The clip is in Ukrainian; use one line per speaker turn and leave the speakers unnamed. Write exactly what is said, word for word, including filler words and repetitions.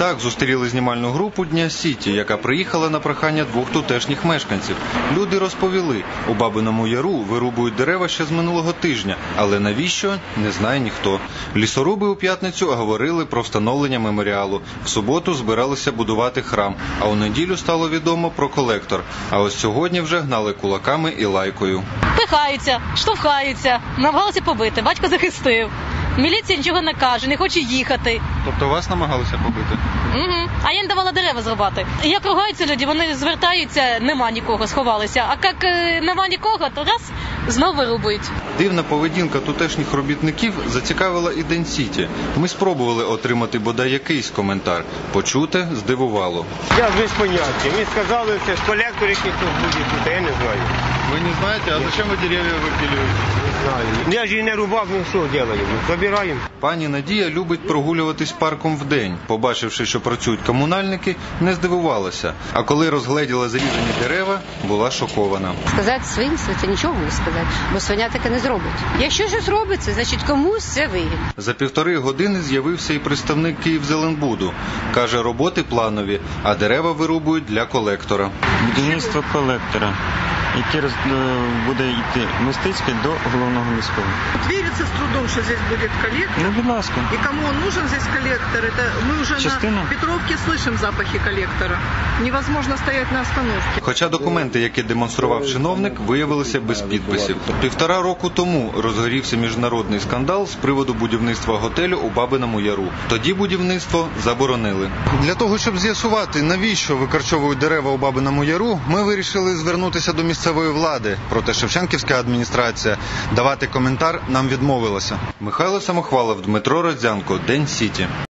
Так зустріли знімальну групу Дня Сіті, яка приїхала на прохання двох тутешніх мешканців. Люди розповіли, у Бабиному Яру вирубують дерева ще з минулого тижня, але навіщо – не знає ніхто. Лісоруби у п'ятницю говорили про встановлення меморіалу. В суботу збиралися будувати храм, а у неділю стало відомо про колектор. А ось сьогодні вже гнали кулаками і лайкою.
Пихаються, штовхаються, намагалися побити, батько захистив. Міліція нічого не каже, не хоче їхати.
Тобто вас намагалися побити?
Угу. А я не давала дерева зрубати. Як ругаються люди, вони звертаються, нема нікого, сховалися. А як нема нікого, то раз, знову вирубують.
Дивна поведінка тутешніх робітників зацікавила і День Сіті. Ми спробували отримати бодай якийсь коментар. Почуте здивувало.
Я без поняття. Мені сказали, що колектор якийсь тут буде тут, я не знаю.
Ви не знаєте, а зачем ви дерев'я випилюєте?
Не знаю. Я ж і не рубав, ну що робимо? Забираємо.
Пані Надія любить прогулюватись парком вдень. Побачивши, що працюють комунальники, не здивувалася. А коли розгледіла зрізані дерева, була шокована.
Сказати свинство – це нічого не сказати, бо свиня таке не зробить. Якщо щось робиться, значить комусь це вигідно.
За півтори години з'явився і представник Київзеленбуду. Каже, роботи планові, а дерева вирубують для колектора.
Будівництво колектора, який буде йти Мостицьке до головного міського.
Верится с трудом, что здесь будет коллектор.
Ну, будь ласка.
И кому он нужен здесь коллектор? Это мы уже
Частина.
на Петровке слышим запахи коллектора. Невозможно стоять на остановке.
Хоча документи, які демонстрував чиновник, виявилися без підписів. Півтора року тому розгорівся міжнародний скандал з приводу будівництва готелю у Бабиному Яру. Тоді будівництво заборонили. Для того, щоб з'ясувати, навіщо викорчовують дерева у Бабиному Яру, ми вирішили звернутися до місцевої влади. Проте Шевченківська адміністрація давати коментар нам відмовилася. Михайло Самохвалов, Дмитро Родзянко, День Сіті.